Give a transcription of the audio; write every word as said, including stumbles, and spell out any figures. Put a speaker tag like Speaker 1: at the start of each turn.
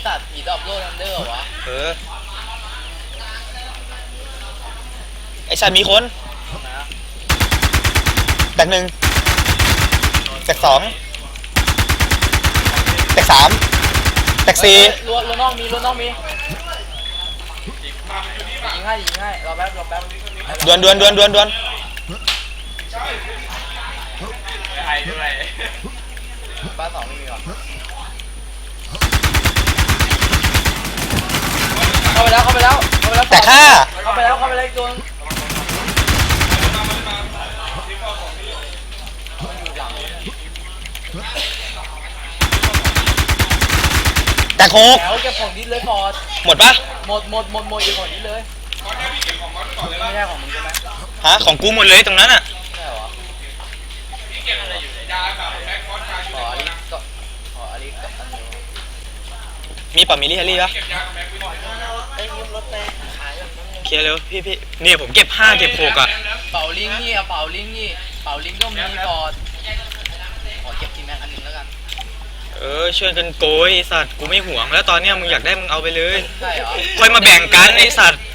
Speaker 1: สัตว์ผีดอบโลทันเดอร์วะ
Speaker 2: เออไอสัตว์มีคนแตกหนึ่งแตกสองแตกสามแตกสี่
Speaker 1: รั้วรั้วนอกมีรั้วนอกมียิงให้ยิงให้รอแป๊บรอแป๊บ
Speaker 2: ดวนดวนดวนดวนดวน
Speaker 1: ไอ้ด้วยบ้านสองไม่มีหรอเข้าไปแล้วเข้าไปแล้วเข้าไปแล้ว
Speaker 2: แต่ฆ่า
Speaker 1: เข้าไปแล้วเข้าไปแล้วโดน
Speaker 2: แต่โคก
Speaker 1: แล้วเก็บของดิสเลยฟอร์ด
Speaker 2: หมดปะ
Speaker 1: หมดหมดหมดหมดเก็บของดิสเลยไม่ใช่ของมึงใช่ไหม
Speaker 2: ฮะของกูหมดเลยตรงนั้นอ่ะ
Speaker 1: ใช่หรอขออลิก็ขออลิกับอันนี้
Speaker 2: มีป่ะมีลิเฮลี่ปะ
Speaker 1: ไอ้ยืมรถไปขาย
Speaker 2: เคลียร์เร็วพี่พี่เนี่ยผมเก็บห้าเก็บหกอ่ะ
Speaker 1: เป่าลิงนี่เป่าลิงนี่เป่าลิงก็มีฟอร์ดขอเก็บทีแม็กอันนึงแล้วกัน
Speaker 2: เออช่วยกันโกยไอสัตว์กูไม่ห่วงแล้วตอนเนี้ยมึงอยากได้มึงเอาไปเลย
Speaker 1: ใช่เหรอ
Speaker 2: ค่อยมาแบ่งกันไอสัตว์